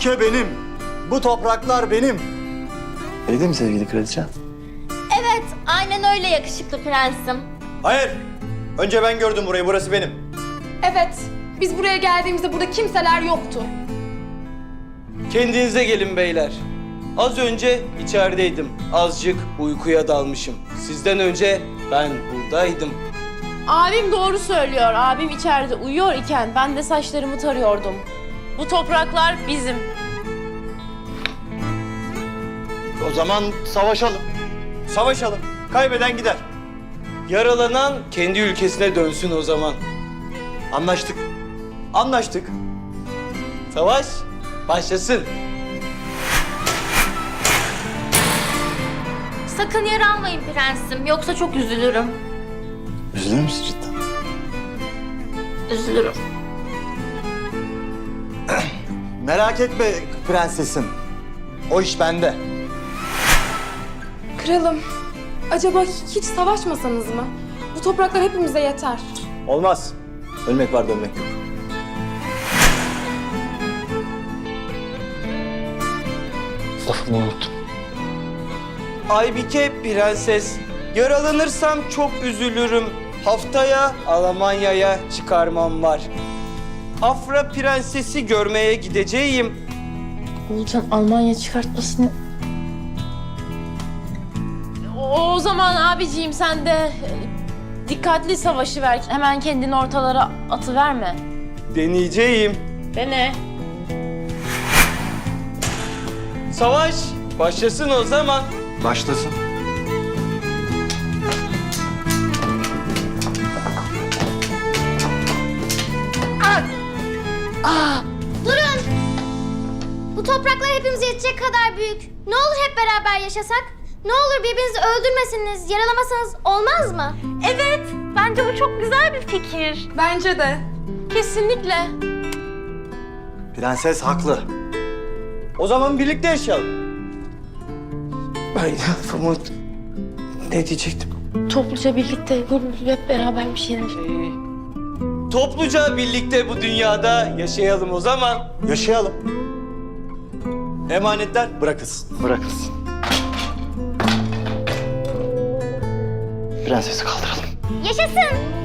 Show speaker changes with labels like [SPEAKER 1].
[SPEAKER 1] ülke benim. Bu topraklar benim.
[SPEAKER 2] Öyle değil mi sevgili kraliçem?
[SPEAKER 3] Evet, aynen öyle yakışıklı prensim.
[SPEAKER 1] Hayır. Önce ben gördüm burayı. Burası benim.
[SPEAKER 4] Evet, biz buraya geldiğimizde burada kimseler yoktu.
[SPEAKER 5] Kendinize gelin beyler. Az önce içerideydim. Azıcık uykuya dalmışım. Sizden önce ben buradaydım.
[SPEAKER 6] Abim doğru söylüyor. Abim içeride uyuyor iken ben de saçlarımı tarıyordum. Bu topraklar bizim.
[SPEAKER 1] O zaman savaşalım. Savaşalım. Kaybeden gider.
[SPEAKER 5] Yaralanan kendi ülkesine dönsün o zaman.
[SPEAKER 1] Anlaştık. Anlaştık.
[SPEAKER 5] Savaş başlasın.
[SPEAKER 3] Sakın yaralanmayın prensim, yoksa çok üzülürüm.
[SPEAKER 2] Üzülür müsün cidden?
[SPEAKER 3] Üzülürüm.
[SPEAKER 1] Merak etme prensesim. O iş bende.
[SPEAKER 4] Kralım, acaba hiç savaşmasanız mı? Bu topraklar hepimize yeter.
[SPEAKER 1] Olmaz. Ölmek var, dönmek yok.
[SPEAKER 2] Lafımı unuttum.
[SPEAKER 5] Aybike prenses, yaralanırsam çok üzülürüm. Haftaya Almanya'ya çıkarmam var. Afra prensesi görmeye gideceğim.
[SPEAKER 6] Oğulcan Almanya çıkartmasını... O zaman abiciğim sen de dikkatli savaşı ver. Hemen kendini ortalara atıverme.
[SPEAKER 5] Deneyeceğim.
[SPEAKER 6] Dene.
[SPEAKER 5] Savaş başlasın o zaman.
[SPEAKER 1] Başlasın.
[SPEAKER 3] Durun! Bu topraklar hepimize yetecek kadar büyük. Ne olur hep beraber yaşasak? Ne olur birbirinizi öldürmesiniz, yaralamasanız olmaz mı? Evet, bence bu çok güzel bir fikir.
[SPEAKER 4] Bence de.
[SPEAKER 6] Kesinlikle.
[SPEAKER 1] Prenses haklı. O zaman birlikte yaşayalım.
[SPEAKER 5] Ay lafımı... Ne diyecektim?
[SPEAKER 6] Topluca birlikte hep beraber bir şeyler.
[SPEAKER 5] Topluca birlikte bu dünyada yaşayalım o zaman.
[SPEAKER 1] Yaşayalım. Emanetler bırakılsın.
[SPEAKER 2] Bırakılsın. Prensesi kaldıralım.
[SPEAKER 3] Yaşasın!